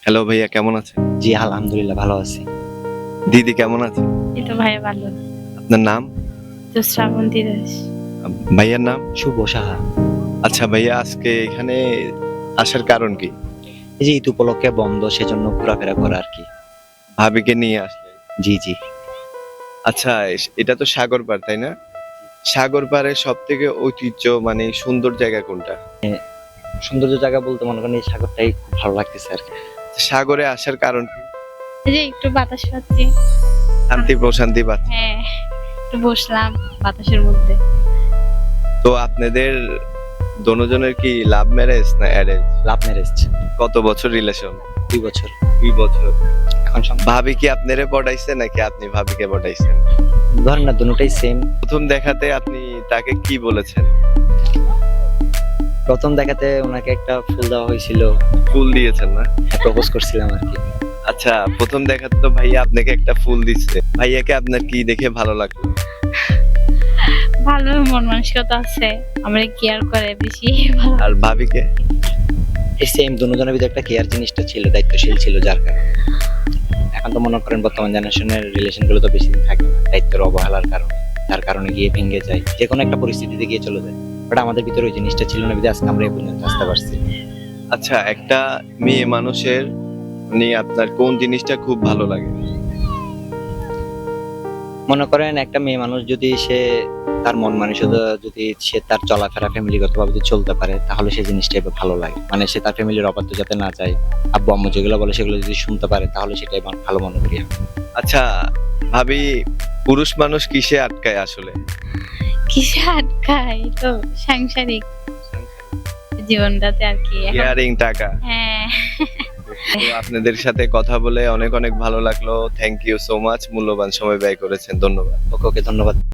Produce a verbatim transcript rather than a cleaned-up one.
Hello ভাইয়া, কেমন আছেন? জি, আলহামদুলিল্লাহ ভালো আছি। দিদি কেমন আছেন? এই তো ভাইয়া ভালো। আপনার নাম? তো শ্রাবন্তী দাস। আম, ভাইয়ার নাম? শুভ সাহা। আচ্ছা ভাইয়া, আজকে এখানে আসার কারণ কি? এই যে ঈদ উপলক্ষে বন্ধ, সেজন্য ঘোরাফেরা করা আর কি। ভাবিকে নিয়ে আসলেন? জি, জি। আচ্ছা, এস- এটা তো সাগর পাড়, তাই না? সাগর পাড়ের সব থেকে ঐতিহ্য মানে সুন্দর জায়গা কোনটা? সৌন্দর্য জায়গা বলতে মনে করেন এই সাগরটাই খুব ভালো লাগতেছে আর কি। সাগরে আসার কারণ কি? এই যে একটু বাতাস পাচ্ছি। শান্তি প্রশান্তি পাচ্ছে। হ্যাঁ, একটু বসলাম বাতাসের মধ্যে। তো আপনাদের দোনোজনের কি লাভ ম্যারেজ না অ্যারেঞ্জ? Love marriage. কত বছর রিলেশন? দুই বছর। দুই বছর। এখন সম- ভাবি কি আপনারে পটাইছে নাকি আপনি ভাবিকে পটাইছেন? ধরেন না, দুটোটাই সেম। প্রথম দেখাতে আপনি তাকে কি বলেছেন? প্রথম দেখাতে ওনাকে একটা ফুল দেওয়া হয়েছিল, ফুল দিয়েছেন না? প্রপোজ করছিলাম আর কি। আচ্ছা, প্রথম দেখাতে তো ভাইয়া আপনাকে একটা ফুল দিচ্ছে, ভাইয়াকে আপনার কি দেখে ভালো লাগলো? ভালো মন মানসিকতা আছে, আমরা কেয়ার করে বেশি ভালো। আর ভাবিকে? এই সেম, দুজনের ভিতরে একটা কেয়ার জিনিসটা ছিল, দায়িত্বশীল ছিল, যার কারণে। এখন তো মনে করেন বর্তমান জেনারেশনের রিলেশন গুলো তো বেশি দিন থাকে না, দায়িত্বের অবহেলার কারণে, যার কারণে গিয়ে ভেঙে যায়, যে কোনো একটা পরিস্থিতিতে গিয়ে চলে যায়। বাট আমাদের ভিতরে ওই জিনিসটা ছিল না, বিধায় আজকে আমরা এই পর্যন্ত আসতে পারছি। আচ্ছা, একটা মেয়ে মানুষের নিয়ে আপনার কোন জিনিসটা খুব ভালো লাগে? মনে করেন একটা মেয়ে মানুষ যদি সে তার মন মানসিকতা, যদি সে তার চলাফেরা ফ্যামিলিগত ভাবে যদি চলতে পারে, তাহলে সেই জিনিসটাই ভালো লাগে। মানে সে তার ফ্যামিলির অবাধ্য যাতে না যায়, আব্বু আম্মু যেগুলো বলে সেগুলো যদি শুনতে পারে, তাহলে সেটাই আমার ভালো মনে করি আমি। আচ্ছা ভাবি, পুরুষ মানুষ কিসে আটকায় আসলে? কিসে আটকায়, তো সাংসারিক জীবনটাতে আর কি এখন। ইয়ারিং, টাকা। হ্যাঁ, তো আপনাদের সাথে কথা বলে অনেক অনেক ভালো লাগলো। থ্যাংক ইউ সো মাচ, মূল্যবান সময় ব্যয় করেছেন, ধন্যবাদ। ওকে ওকে, ধন্যবাদ।